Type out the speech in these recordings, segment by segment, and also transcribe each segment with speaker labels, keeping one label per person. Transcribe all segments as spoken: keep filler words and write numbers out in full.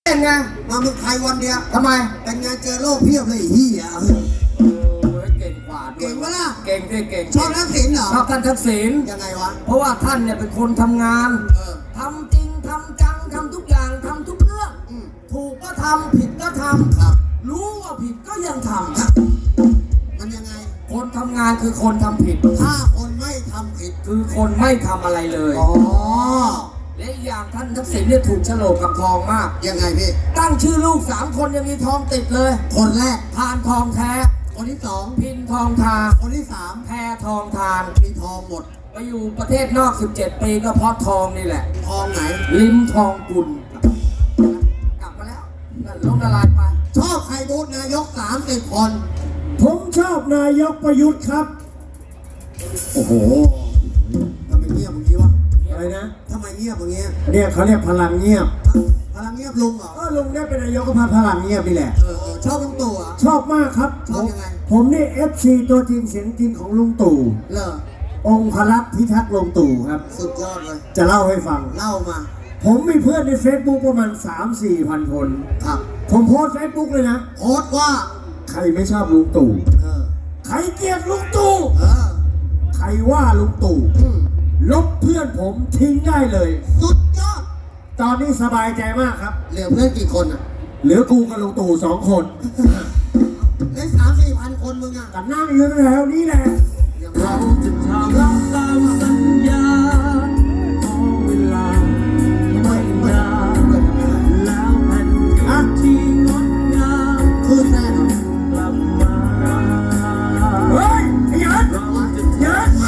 Speaker 1: เป็นไง
Speaker 2: มาเมืองไทยวันเดียว
Speaker 1: ทำไม
Speaker 2: เป็นไงเจอโลกเพียบเลยเฮีย
Speaker 1: เก่งกว่า
Speaker 2: เก่งวะล่ะ
Speaker 1: เก่งที่เก่ง
Speaker 2: ชอบทักษิณเหรอ
Speaker 1: ชอบท่านทักษิณ
Speaker 2: ยังไงวะ
Speaker 1: เพราะว่าท่านเนี่ยเป็นคนทำงานทำจริงทำจังทำทุกอย่างทำทุกเรื่องถูกก็ทำผิดก็ทำรู้ว่าผิดก็ยังท
Speaker 2: ำมันยังไง
Speaker 1: คนทำงานคือคนทำผิด
Speaker 2: ถ้าคนไม่ทำผิด
Speaker 1: คือคนไม่ทำอะไรเลย
Speaker 2: อ๋อ
Speaker 1: และอีกอย่างท่านทักษิณเนี่ยถูกโฉลกกับทองมาก
Speaker 2: ยังไงพี่
Speaker 1: ตั้งชื่อลูกสามคนยังมีทองติดเลย
Speaker 2: คนแรก
Speaker 1: พานทองแท้
Speaker 2: คนที่สอง
Speaker 1: พินทองทา
Speaker 2: คนที่สาม
Speaker 1: แพทองทาน
Speaker 2: มีทองหมด
Speaker 1: ไปอยู่ประเทศนอกสิบเจ็ดปีก็เพราะทองนี่แหละ
Speaker 2: ทองไหน
Speaker 1: ลิ้มทองกุลกลับมาแล้วนั่นล้มละลายไป
Speaker 2: ชอบใครบูธนายกสามสิบคน
Speaker 3: ผมชอบนายกประยุทธ์ครับ
Speaker 2: โอ้โหทำไมเงียบอย่างนี้วะ
Speaker 3: อะไรนะ
Speaker 2: ทำไมเงียบอย่างเงี้ย
Speaker 3: เนี่ยเขาเรียกพลังเงียบ
Speaker 2: พลังเงียบลุงเหรอ
Speaker 3: เออลุงได้เป็นนายกก็พาพลังเงียบนี่แหละ
Speaker 2: เออชอบลุงตู่อ่ะ
Speaker 3: ชอบมากครับ
Speaker 2: ชอบยังไง
Speaker 3: ผมนี่เอฟซีตัวจริงเสียงจริงของลุงตู่
Speaker 2: เหรอ
Speaker 3: องค์พระลักษณ์พิทักษ์ลุงตู่ครับ
Speaker 2: สุดยอดเลย
Speaker 3: จะเล่าให้ฟัง
Speaker 2: เล่ามา
Speaker 3: ผมมีเพื่อนในเฟซบุ๊กประมาณ สามสี่ พันคน
Speaker 2: ครับ
Speaker 3: ผมโพสเฟซบุ๊กเลยนะ
Speaker 2: โพสว่า
Speaker 3: ใครไม่ชอบลุงตู่
Speaker 2: เออ
Speaker 3: ใครเกลียดลุงตู่
Speaker 2: เออ
Speaker 3: ใครว่าลุงตู่ลบเพื่อนผมทิ้งได้เลย
Speaker 2: สุดยอด
Speaker 3: ตอนนี้สบายใจมากครับ
Speaker 2: เหลือเพื่อนกี่คนอ่ะ
Speaker 3: เหลือกูกับลุงตู่สองคน
Speaker 2: ได้สามสี่พันคนมึงอ่ะ
Speaker 3: กันนั่งอยู่แถวนี้แหละ
Speaker 1: เราจะทำตามสัญญาขอเวลาไม่นานแล้วแผ่นดินที่งดงาม
Speaker 2: คืนแน่นอน
Speaker 1: กลับมา
Speaker 3: เฮ้ยไอ้ยันยัน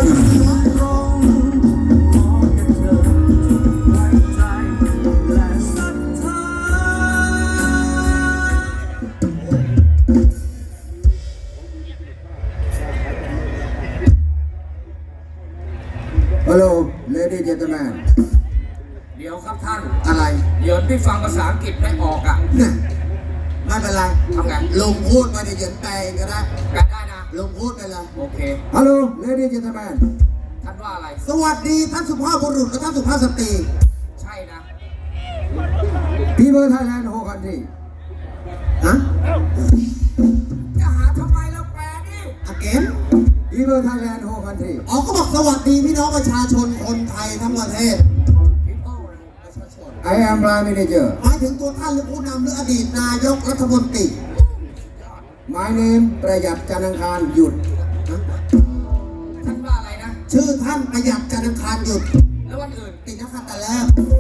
Speaker 2: ฮัลโหล ladies and gentlemen
Speaker 1: เดี๋ยวครับท่าน
Speaker 2: อะไร
Speaker 1: เดี๋ยวพี่ฟังภาษาอังกฤษไม่ออกอ่ะ
Speaker 2: ไม่เป็นไร
Speaker 1: ทำไง
Speaker 2: ลงพูดมาในเย็นแปลก็ได้
Speaker 1: แปลได้นะ
Speaker 2: ลงพูดไปเลย
Speaker 1: โอเค
Speaker 2: ฮัลโหล ladies and gentlemen
Speaker 1: ท่านว่าอะไร
Speaker 2: สวัสดีท่านสุภาพบุรุษและท่านสุภาพสตรี
Speaker 1: ใช่นะ
Speaker 2: People Thailand whole country ฮะ
Speaker 1: จะหาทำไมเราแปลดิ
Speaker 2: again People Thailand whole country อ๋อก็บอกสวัสดีพี่น้องประชาชนคนไทยทั้งประเทศ I am Prime Minister หมายถึงตัวท่านหรือผู้นำหรืออดีตนายกรัฐมนตรี My name ประหยัดจันทร์อังคารหยุด
Speaker 1: ท่านว่าอะไรนะ
Speaker 2: ชื่อท่านประหยัดจันทร์อังคารหยุด
Speaker 1: แล้ววันอื่น
Speaker 2: ติดนะคะแต่แล้ว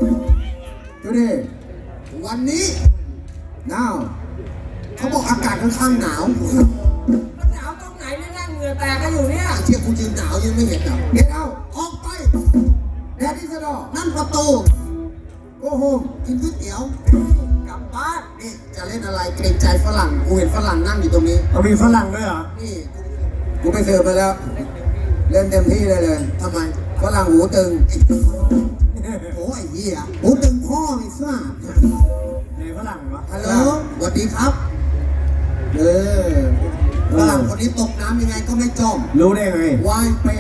Speaker 2: Today วันนี้ Now เขาบอกอากาศค่อนข้างหนาว
Speaker 1: มันหนาวตรงไหนไม่นั่งเหงื่อแตกกันอยู่เนี่ย
Speaker 2: เชี่ยกูยืนหนาวยังไม่เห็นหรอ Get out ออกไป That is the door นั่นประตูGo home กินก๋วยเตี๋ยวกลับบ้านนี่จะเล่นอะไรเกรงใจฝรั่งกูเห็นฝรั่งนั่งอยู่ตรงนี้
Speaker 3: เอามีฝรั่งด้วยเหรอ
Speaker 2: นี่กูไปเสิร์ฟไปแล้วเล่นเต็มที่เลยเลยทำไมฝรั่งหูตึงโอ้ยเหี้ยหูตึงพ่อไม่ทราบ
Speaker 3: ไหนฝรั่งวะ
Speaker 2: ฮัลโหลสวัสดีครับเออฝรั่งคนนี้ตกน้ำยังไงก็ไม่จม
Speaker 3: รู้ได้ไง
Speaker 2: ว่ายเป็น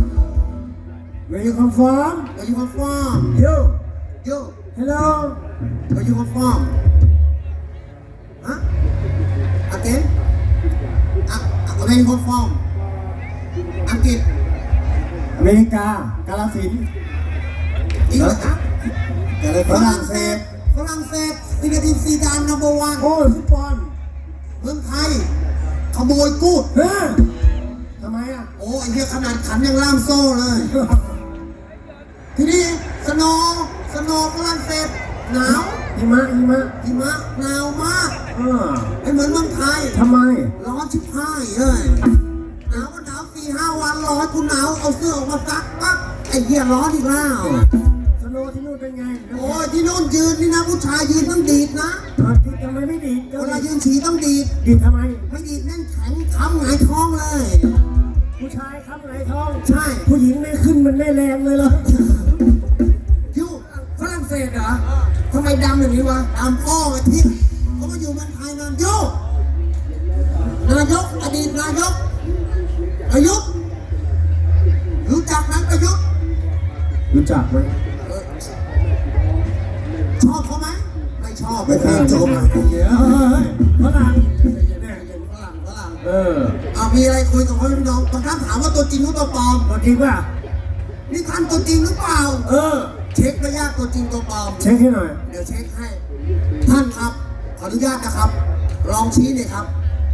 Speaker 3: Where you come from
Speaker 2: Where you come from
Speaker 3: You
Speaker 2: You
Speaker 3: Hello
Speaker 2: Where you come from ฮะ Again อ่ะ Where you come from อังกฤษ
Speaker 3: อเมริกากาฬสินธุ์
Speaker 2: จริงเหรอครับฝรั่งเศสฝรั่งเศสซิงคโปร์ซีดานนัมเบอร์วัน
Speaker 3: โอ้ฟุตบอล
Speaker 2: เมืองไทยขโมยกูด
Speaker 3: เฮ้ยทำไมอ่ะ
Speaker 2: โอ้ไอ้เหี้ยขนาดขันยังล่ามโซ่เลยทีนี้สโนว์สโนว์ฝรั่งเศสหนาว
Speaker 3: หิมะหิมะ
Speaker 2: หิมะหนาวมาก
Speaker 3: อ่า
Speaker 2: ไม่เหมือนเมืองไทย
Speaker 3: ทำไม
Speaker 2: ร้อนชิบหายเลยหนาวก็หนาวสี่ห้าวันร้อนกูหนาวเอาเสื้อออกมาซักปั๊บไอ้เหี้ยร้อนอีกแล้ว
Speaker 3: สโนว์ที่นู่นเป็นไง
Speaker 2: โอ้ยที่นู่นยืนนี่นะผู้ชายยืนต้องดีดนะ
Speaker 3: ทำไมไม่ดีด
Speaker 2: เวลายืนฉี่ต้องดีด
Speaker 3: ดีดทำไม
Speaker 2: ไม่ดีดนั่นแข็งค้ำหงายท้องเลย
Speaker 3: ผู้ชายค้ำหงายท้อง
Speaker 2: ใช่
Speaker 3: ผู้หญิงไม่ขึ้นมันไม่แรงเลยเหรอ
Speaker 2: ยู
Speaker 1: ฝรั่งเศสเหรอทำไมดำอย่างนี้วะ
Speaker 2: ดำพ่อไอ้ทิพย์เขามาอยู่เมืองไทยนานยูนายกอดีตนายกประยุทธ์รู้จักไหมประยุทธ์
Speaker 3: รู้จักไหม
Speaker 2: ชอบเขาไหมไม่ชอบไปเพลงโจม
Speaker 3: เดี๋ยวเฮ้ยฝรั่งเนี่ย
Speaker 2: ฝรั่งฝรั่ง
Speaker 3: เออ
Speaker 2: เอามีอะไรคุยกับพ่อพี่น้องบางท่านถามว่าตัวจริงหรือตัวปลอม
Speaker 3: ตัวจริงป่ะ
Speaker 2: นี่ท่านตัวจริงหรือเปล่า
Speaker 3: เออ
Speaker 2: เช็คไม่ยากตัวจริงตัวปลอม
Speaker 3: เช็คให้หน่อย
Speaker 2: เดี๋ยวเช็คให้ ท่านครับ ขออนุญาตนะครับ ลองชี้หน่อยครับ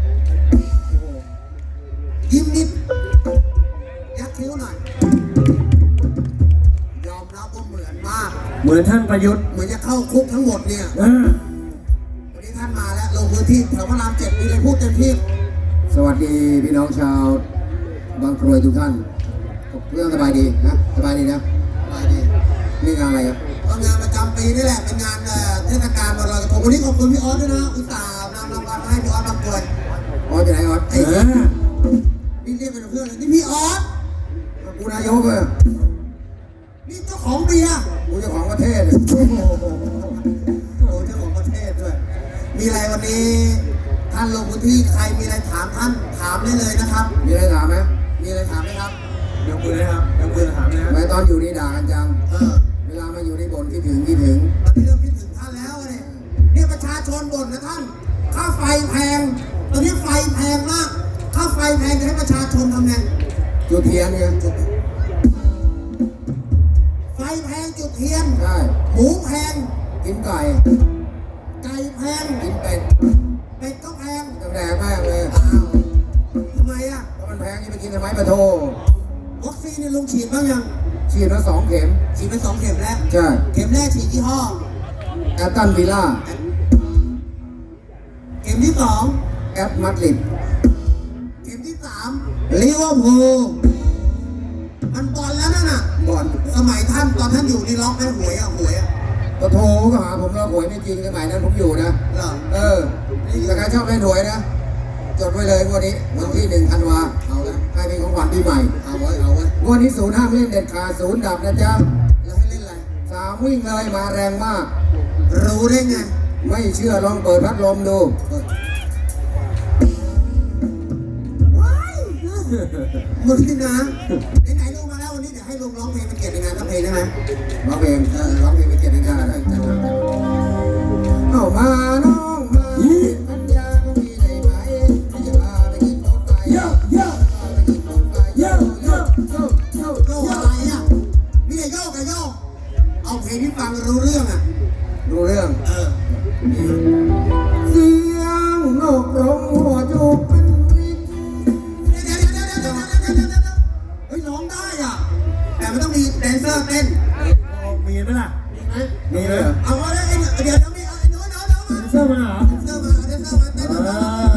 Speaker 2: ยิ้มนิด ยักคิ้วหน่อย ยอมรับว่าเหมือนมาก
Speaker 3: เหมือนท่านประยุทธ์
Speaker 2: เหมือนจะเข้าคุกทั้งหมดเนี่ย
Speaker 3: เออ
Speaker 2: วันนี้ท่านมาแล้วลงพื้นที่แถวพระรามเจ็ดมีอะไรพูดเต็มที่
Speaker 4: สวัสดีพี่น้องชาวบางกรวยทุกท่านเรื่องสบายดีนะสบายดีนะ
Speaker 2: ไปดี
Speaker 4: นี่งานอะไรครับ
Speaker 2: ก็งานประจำปีนี่แหละ เป็นงานเอ่อเทศกาลวันลอยกระทงวันนี้ขอบคุณพี่ออสด้วยนะ อุตส่าห์นำรางวัลมาให้พี่ออสบางกรวย
Speaker 4: ออสจะไหนออส
Speaker 3: เอ
Speaker 4: ไอ้
Speaker 3: อ
Speaker 2: นี่เรียกเป็นเพื่อนเลยนี่พี่ออส
Speaker 4: กูนายกเลย
Speaker 2: นี่เจ้าของเบียร์
Speaker 4: กูเจ้าของประเทศเลย
Speaker 2: โอ้โหโอ้เจ้าของประเทศด้วย มีอะไรวันนี้ท่านลงพื้นที่ใครมีอะไรถามท่านถามได้เลยนะครับ
Speaker 4: มีอะไรถามไหม
Speaker 2: มีอะไรถามไหมครับ
Speaker 3: ยกมือเลยครับยกมือถามนะ
Speaker 4: ทำไมตอนอยู่นี่ด่ากันจัง
Speaker 2: เออ
Speaker 4: เวลามาอยู่นี่บ่นคิดถึงคิดถึง
Speaker 2: ตอนนี้เริ่มคิดถึงท่านแล้วเนี่ยเนี่ยประชาชนบ่นนะท่าน ค่าไฟแพง ตอนนี้ไฟแพงมาก ค่าไฟแพงจะให้ประชาชนทำไง
Speaker 4: จุดเทียนเนี่ย
Speaker 2: จุดไฟแพงจุดเทียน
Speaker 4: ใช่
Speaker 2: หมูแพง
Speaker 4: กินไก่
Speaker 2: ไก่แพง
Speaker 4: กินเป็ด
Speaker 2: เป็ดก็แพง
Speaker 4: ต้องแดกแม่งเลย
Speaker 2: อ้าวทำไมอ่ะ
Speaker 4: ถ้ามันแพงนี่ไปกินทำไมปะโท
Speaker 2: วัคซีนเนี่ยลุงฉีดบ้างยัง
Speaker 4: ฉีดมาสองเข็ม
Speaker 2: ฉีดไปสองเข็มแล้ว
Speaker 4: ใช่
Speaker 2: เข็มแรกฉีดยี่ห้อ
Speaker 4: แอตตันวิลล่า
Speaker 2: เข็มที่สอง
Speaker 4: แอตมาดริด
Speaker 2: เข็มที่สามลิเวอร์พูลมันบอลแล้วนั่นน่ะ
Speaker 4: ก่อน
Speaker 2: สมัยท่านตอนท่านอยู่นี่ล็อกให้หวยอ่ะหวยอ่ะ
Speaker 4: ปะโทก็หาผมแล้วหวยไม่จริงสมัยนั้นผมอยู่นะ
Speaker 2: เหรอ
Speaker 4: เออถ้าใครชอบเล่นหวยนะ จดไว้เลยงวันนี้วันที่หนึ่งธันวาเอาละให้เป็นของขวัญปีใหม่
Speaker 2: เอาไว้เอาไว้
Speaker 4: งวันนี้ศูนย์ห้ามเล่นเด็ดขาดศูนย์ดับนะจ๊ะ
Speaker 2: แล้วให้เล่นอะไร
Speaker 4: สามวิ่งเลยมาแรงมาก
Speaker 2: รู้ได้ไง
Speaker 4: ไม่เชื่อลองเปิดพัดลมดู
Speaker 2: ว้ายมึงนี่นะไหนๆลงมาแล้ววันนี้เดี๋ยวให้ลุงร้องเพลงเป็นเกียรติในงานทั้งเพลงได้ไหม
Speaker 4: ร้องเพลง
Speaker 2: เออร้องเพลงเป็นเกียรติในงานได้
Speaker 4: จัดมาเข้ามาน้องมาปัญญาก็มีได้ไหมไม่จะพาไปกินรถไฟ
Speaker 3: เยอะเยอะ
Speaker 4: พาไปกินรถไฟ
Speaker 3: เยอะเยอะ
Speaker 4: โยกโยก
Speaker 2: โยกอะไรอ่ะมีแต่โยกกับโยกเอาเพลงที่ฟังรู้เรื่องอ่ะ
Speaker 4: ดูเรื่อง
Speaker 2: เออ
Speaker 4: เสียงนกร้องหัวจุกเป็นริก
Speaker 2: เดี๋ยวเดี๋ยวเดี๋ยวเดี๋ยวเดี๋ยวเดี๋ยวเดี๋ยวเดี๋ยวเฮ้ยร้องได้อ่ะแต่มันต้องมีแดนเซอร์เต้น
Speaker 3: มีไหมล่ะ
Speaker 2: มีไหม
Speaker 4: มีเลย
Speaker 2: เอาไว้ไอ้เดี๋ยวเดี๋ยวมีไอ้หนูหนูหนูมา
Speaker 3: เสื้อมาเหรอ
Speaker 2: แดนเซอร์มาแดนเซอร์มาเต้น
Speaker 3: เอ
Speaker 2: มา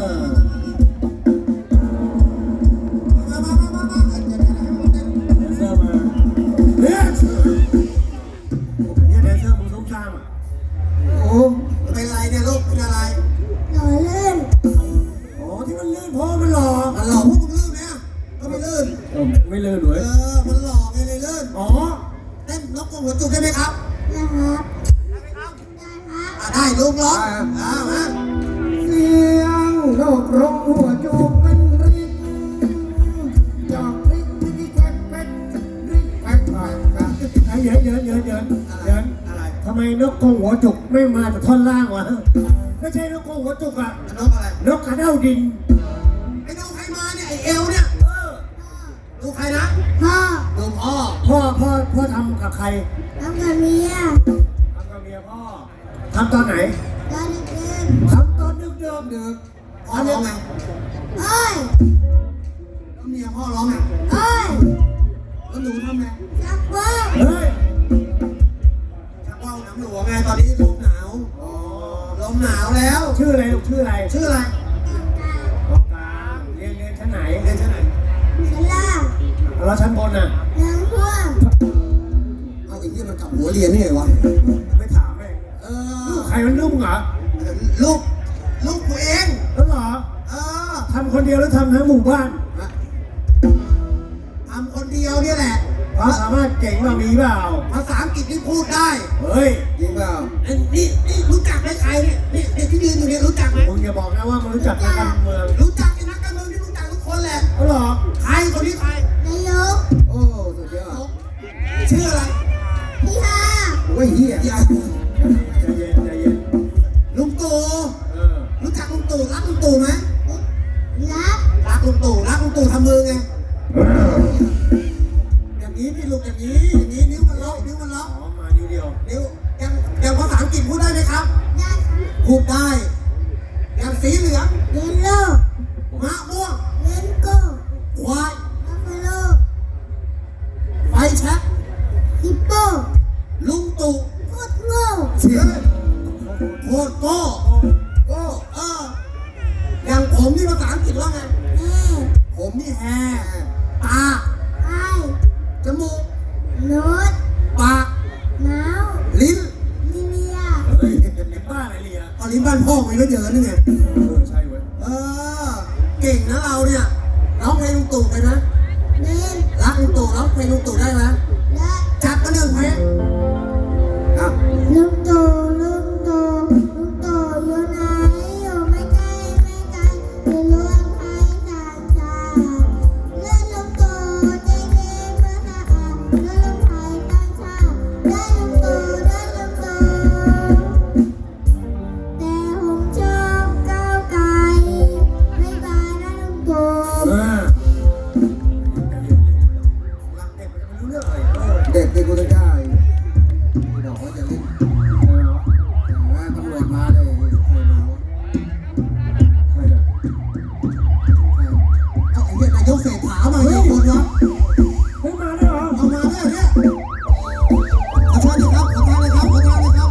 Speaker 3: อ
Speaker 2: มามามามาเดี๋ยวเดี๋ยวเดี๋ยวเดี๋ยว
Speaker 3: เสื้อมาเนี่ยเนี่ยแดนเซอร์มึงส้มซ่ามอ่ะ
Speaker 4: โอ้
Speaker 2: เป็นไรเนี่ยลูกเป็นอะไร
Speaker 3: อ๋อที่มันลื่นเพราะมันหล่อ
Speaker 2: มันหลอกพวกมึงลื่นไหมอ่ะก็ไม่ลื่น
Speaker 3: เออไม่ลื่นหร
Speaker 2: เอ
Speaker 3: วย
Speaker 2: อมันหลอกไงเลยลื่น
Speaker 3: อ๋อ
Speaker 2: เต้นนกกระหัวจุกได้ไหมครับได้ไหมครับอ่ะได้ลูกร้องอ่ามา
Speaker 4: เสียงนกร้องหัวจุกเป็นริกจอกริกริกแควกแควกริกแควกแควกแควก
Speaker 3: ไอ้เยินเยินเยินเยินเยิน
Speaker 2: อะไร
Speaker 3: ทำไมนกกรงหัวจุกไม่มาจากท่อนล่างวะไม่ใช่นกกรงหัวจุกอะ
Speaker 2: นกอะไร
Speaker 3: นกกระเด้าดิน
Speaker 2: ไอ้ดูใครมาเนี่ยไอ้เอวเนี่ย
Speaker 3: เออ
Speaker 2: ดูใครนะ
Speaker 5: พ่อ
Speaker 2: ดูพ่อ
Speaker 3: พ่อพ่อพ่อทำกับใคร
Speaker 5: ทำกับเมีย
Speaker 3: ทำกับเมียพ่อทำตอนไหน
Speaker 5: ตอนเด็ก
Speaker 3: ทำตอนดึกเดิมดึก
Speaker 2: พ่อร้องไง
Speaker 5: ๆเอ้ย
Speaker 2: แล้วเมียพ่อร้องไง
Speaker 5: เอ้ย
Speaker 2: แล้วหนูทำไง
Speaker 5: จักว่าว
Speaker 3: เฮ้ย
Speaker 2: ชักว่าวน้ำหลวงไงตอนนี้ลมหนาวอ๋อลมหนาวแล้ว
Speaker 3: ชื่ออะไรลูกชื่ออะไร
Speaker 2: ชื่ออะไร
Speaker 3: ของกลางเรียนเรียนชั้นไหน
Speaker 2: เรียนชั้นไหน
Speaker 5: ชั้นล่าง
Speaker 3: เราชั้นบนน่ะ
Speaker 5: น้ำท่วม
Speaker 2: เอาไอ้ที่มันกลับหัวเรียนนี่ไงวะ
Speaker 3: ไม่ถามแม่ง
Speaker 2: เอ
Speaker 3: ลู
Speaker 2: อก
Speaker 3: ใครมันลูกเหรอ
Speaker 2: ลูกลูกตัวเอง
Speaker 3: แล้วเหรอ
Speaker 2: เออ
Speaker 3: ทำคนเดียวแล้วทำทั้งหมู่บ้าน
Speaker 2: ทำคนเดียวเนี่ยแหละ
Speaker 3: ความสามารถเก่งมามีเปล่า
Speaker 2: ภาษาอังกฤษนี่พูดได้
Speaker 3: เฮ้ย
Speaker 4: จริงเปล่า
Speaker 2: ไอ้นี่นี่รู้จักไหมใครเนี่ยนี่เด็กที่ยืนอยู่เนี่ยรู้จักไหม
Speaker 3: มึงอย่าบอกนะว่ามึงรู้จักนักการเมือง
Speaker 2: รู้จักไอ้นักการเมืองที่รู้จักทุกคนแหละ
Speaker 3: แล้วเหรอ
Speaker 2: ใครคนนี้ใคร
Speaker 5: นายก
Speaker 4: โอ้สุดยอด
Speaker 2: ชื่ออะไร
Speaker 5: พี่ฮา
Speaker 4: โอ้ยเฮีย
Speaker 2: อย่า
Speaker 3: ใจเย็นใจเย็น
Speaker 2: พูดได้อย่างสีเหลือง
Speaker 5: เยลโล่
Speaker 2: มะม่วง
Speaker 5: เลนโก้
Speaker 2: ควาย
Speaker 5: บัฟฟาโล
Speaker 2: ไฟแช็ก
Speaker 5: ฮิปโป
Speaker 2: ลุงตู่
Speaker 5: โคตรโง่
Speaker 2: เสือโคตรโก้โก้เอออย่างผมนี่ภาษาอังกฤษว่าไง
Speaker 5: แอ
Speaker 2: ผมนี่แฮตา
Speaker 5: ไอ
Speaker 2: จมูก
Speaker 5: โน้ต
Speaker 2: ปาก
Speaker 5: หนาว
Speaker 2: ลิ้น
Speaker 5: ลิเลีย
Speaker 3: เฮ้ยเป็นบ้าอะไรเนี่ย
Speaker 2: เอาลิ้นบ้านพ่อมันก็เยอะนี่ไง
Speaker 3: เออใช่เว้ย
Speaker 2: เออ เก่งนะเราเนี่ยร้องเพลงลุงตู่ไปนะ
Speaker 5: เล่น
Speaker 2: รักลุงตู่ร้องเพลงลุงตู่ได้ไหม
Speaker 5: และ
Speaker 2: จัดมาหนึ่งเพลงอ่ะ
Speaker 5: ลุงตู่ลุงตู่ลุงตู่อยู่ไหนอยู่ไม่ไกลไม่ไกลอยู่รวมไทยสร้างชาติเลือดลุงตู่ใจเย็นเพื่อสะอาดเลือดลุงไทยสร้างชาติเลือดลุงตู่เลือดลุงตู่แต่ผมชอบก้าวไกลไม่บายนะลุงตู่
Speaker 3: เออ
Speaker 2: รักเด็กมันไม่รู้เรื่องอะไรเออเด็กที่กูจะได้บอกว่าจะเล่นแต่ว่าตำรวจมาเลยใครมาวะ
Speaker 3: ใครอะ
Speaker 2: เอาไอ้เหี้ยนายกเศรษฐามาเนี่ยคนวะ
Speaker 3: เฮ้ยมาแล้วเหรอ
Speaker 2: เอามาเนี่ยเนี่ยขอโทษนะครับขอโทษนะครับขอโทษนะครับขอโทษ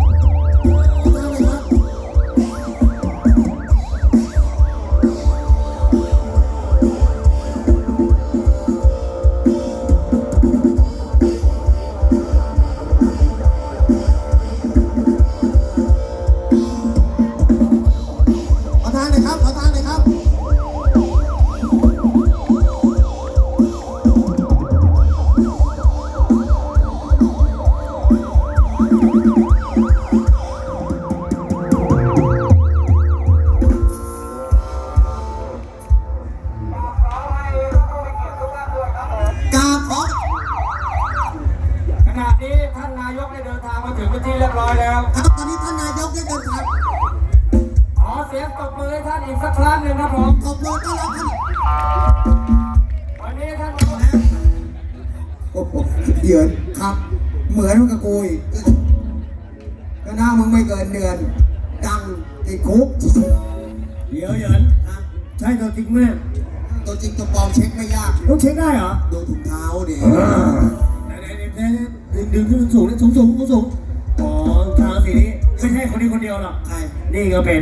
Speaker 2: นะครับ ขอทานเลยครับ ขอทานเลยครับ กราบขอ
Speaker 3: ขณะนี้ท่านนายกได้เดินทางมาถึงพื้นที่เรียบร้อยแล้ว
Speaker 2: ครับตอนนี้ท่านนายกได้เดินทาง
Speaker 3: ขอเสียงตบมือให้ท่านอีกสักครั้งหนึ่งครับผม
Speaker 2: ขอบคุณต้อนรับท่าน
Speaker 3: วันนี้ท่าน
Speaker 4: โอ้โหเดือน
Speaker 2: ครับ
Speaker 4: เหมือนมึงกับกูอีกก็หน้ามึงไม่เกินเดือน
Speaker 2: ดัง
Speaker 4: ติดคุก
Speaker 3: เดี๋ยวเหยิน
Speaker 2: นะ
Speaker 3: ใช่ตัวจริงไหมเนี่ย
Speaker 2: ตัวจริงตัวปลอมเช็คไม่ยาก
Speaker 3: ต้องเช็คได้เหรอ
Speaker 2: ดูถุงเท้าดิ
Speaker 3: ไหนไหนไหนดึงดึงขึ้นสูงสูงสูงสูงสูงอ๋อทางสีนี้ไม่ใช่คนนี้คนเดียวหรอก
Speaker 2: ใคร
Speaker 3: นี่ก็เป็น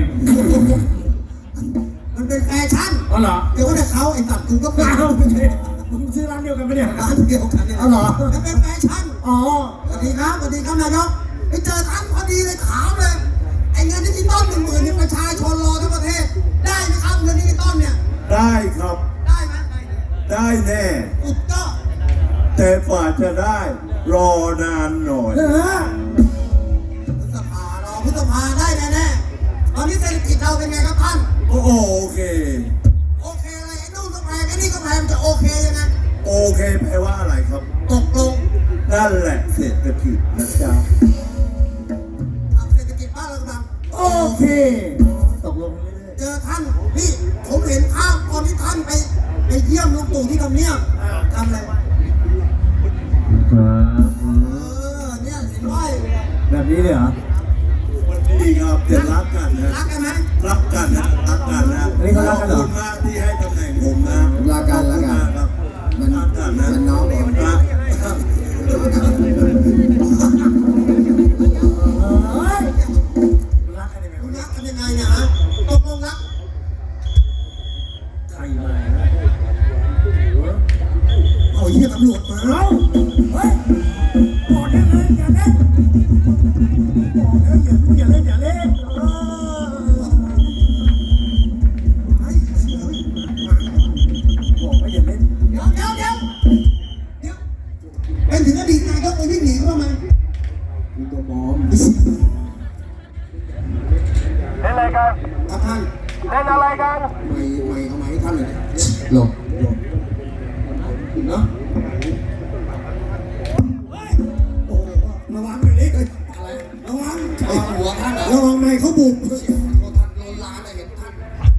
Speaker 2: มันเป็นแฟชั่น
Speaker 3: อ๋อเหรอ
Speaker 2: เดี๋ยวก็ได้เขาไอ้สัตว์กูก็เป็น
Speaker 3: อ้าวไม่ใช่มึงซื้อร้านเดียวกันไหมเนี่ย
Speaker 2: ร้านเดียวกันเนี่ย
Speaker 3: อ๋อเหรอ
Speaker 2: มันเป็นแฟชั่น
Speaker 3: อ๋อ
Speaker 2: สวัสดีครับสวัสดีครับนายกไปเจอท่านพอดีเลยถามเลยไอ้เงินดิจิตอลหนึ่งหมื่นนี่ประชาชนรอทั้งประเทศ ได้ไหมครับเงินดิจิตอลเนี่ย
Speaker 4: ได้ครับ
Speaker 2: ได้ไหม
Speaker 4: ได้แน่
Speaker 2: อุดก็
Speaker 4: แต่กว่าจะได้ รอนานหน่อย
Speaker 3: เออ
Speaker 2: พฤษภารอพฤษภาได้แน่ๆตอนนี้เศรษฐกิจเราเป็นไงครับท่าน
Speaker 4: โอ้โอเค
Speaker 2: โอเคอะไรไอ้นู่นก็แพงไอ้นี่ก็แพงมันจะโอเคยังไง
Speaker 4: โอเคแปลว่าอะไรครับ
Speaker 2: ตกลง
Speaker 4: นั่นแหละเศรษฐกิจนะจ๊ะ
Speaker 2: ทำเศรษฐกิจบ้านเรากำลัง
Speaker 3: โอเค ตกลงเรื่อย
Speaker 2: เจอท่านนี่ผมเห็นภาพตอนที่ท่านไปไปเยี่ยมลุงตู่ที่ทำเนียบทำอะไรวะ
Speaker 3: ๆ
Speaker 2: เออเนี่ยเห็นไหม
Speaker 3: แบบนี้เลยเหรอ
Speaker 4: ดีครับจะรักกันนะ
Speaker 2: รักกันไหม
Speaker 4: รักกันนะรักกันนะ
Speaker 3: อันนี้เขารักกันเหรอ
Speaker 4: ขอบคุณมากที่ให้ตำแหน่งผมนะ
Speaker 2: รักกันรักกัน
Speaker 4: ขอบคุณมากครับ
Speaker 2: มัน
Speaker 4: รักกันนะ
Speaker 2: มันน้องผม
Speaker 4: รัก
Speaker 3: เฮ้ยรักกันยังไง
Speaker 2: คุณ
Speaker 3: วะ
Speaker 2: รักกันยังไงเนี่ยฮะตกลงรัก
Speaker 3: ใครมา
Speaker 2: เอาเหี้ยตำรวจมา
Speaker 3: เราเฮ้ยบอกได้เลยอย่าเล่นบอกเลยอย่าอย่าเล่นอย่าเล่นเออ
Speaker 2: เฮ้ยเฮ้ย
Speaker 3: บอกว่าอย่าเล่น
Speaker 2: เดี๋ยวเดี๋ยวเดี๋ยวเดี๋ยวเป็นถึงอดีตนายกไปวิ่งหนีเขาทำไม
Speaker 4: มีตัวบอม
Speaker 6: เล่นอะไรกัน
Speaker 2: ครับท่าน
Speaker 6: เล่นอะไรกัน
Speaker 2: ไม่ไม่เอาไมาให้ท่านเลย
Speaker 4: หลบ
Speaker 2: เนาะโอ้โหระวังหน่อยดิอะไรระวังไอ้หัวท่านระวังไม่เขาบุกท่านโดนล้านเลยเห็นท่าน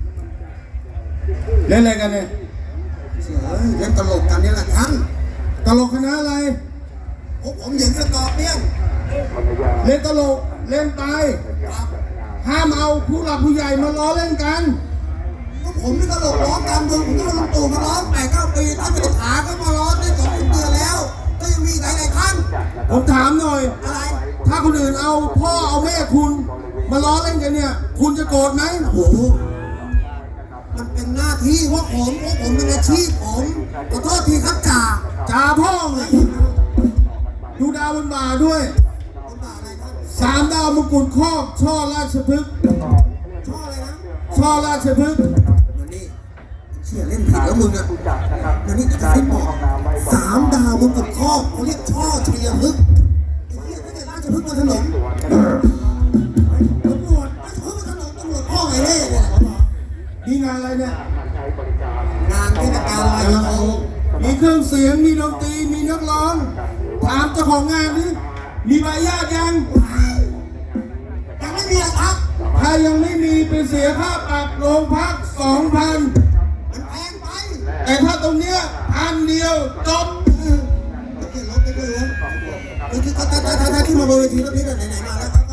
Speaker 4: เล่นอะไรกันเนี่ย
Speaker 2: เฮ้ยเล่นตลกกันนี่แหละท่าน
Speaker 4: ตลกคณะอะไร
Speaker 2: ผมผมเหยิงสกอร์เปี้ยน
Speaker 4: เล่นตลก เล่นตาย
Speaker 2: ครับ
Speaker 4: ฮห้ามเอาผู้หลักผู้ใหญ่มาล้อเล่นกัน
Speaker 2: ก็ผมนี่ตลกร้องการเมืองผมก็ลุงตู่มาร้องแปดเก้าปีถ้าเป็นขาก็มาร้องได้สองเดือนแล้ว ก็ยังมีหลายหลายๆครั้ง
Speaker 4: ผมถามหน่อย
Speaker 2: อะไร
Speaker 4: ถ้าคนอื่นเอาพ่อเอาแม่คุณมาล้อเล่นกันเนี่ย คุณจะโกรธไหม
Speaker 2: โอ้โหมันเป็นหน้าที่ว่าผมเพราะผมเป็นอาชีพผมขอโทษทีครับจ่า
Speaker 4: จ่าพ่อเลยดูดาวบนบ่าด้วย
Speaker 2: คนบ้าอะไรครับ
Speaker 4: สามดาวมงกุฎครอบช่อราชพฤกษ์
Speaker 2: ช่ออะไรนะ
Speaker 4: ช่อราชพฤกษ์
Speaker 2: มันนี่เชี่ยเล่นผิดแล้วมึงอ่ะมันนี่จะให้บอกสามดาวมงกุฎครอบเขาเรียกช่อชัยพฤกษ์ไอ้เหี้ยไม่ใช่ราชพฤกษ์มาถนนตำรวจราชพฤกษ์มาถนนตำรวจพ่อไงเล่เนี่ย
Speaker 4: นี่งานอะไรเนี่ย
Speaker 2: งานเทศกาลลอยกระทง
Speaker 4: มีเครื่องเสียง มีดนตรี มีนักร้อง ถามเจ้าของงานนี่มีใบญาติยัง
Speaker 2: ยังไม่มีหรอกครับ
Speaker 4: ถ้ายังไม่มีไปเสียค่าปรับโรงพักสองพัน
Speaker 2: มันแพงไป
Speaker 4: แต่ถ้าตรงเนี้ยพันเดียวจบ
Speaker 2: ไม่เกี่ยวรถไม่เกี่ยวรถคือถ้าถ้าถ้าถ้าขึ้นมาบนเวทีแล้วพี่ไหนไหนมาแล้วครับ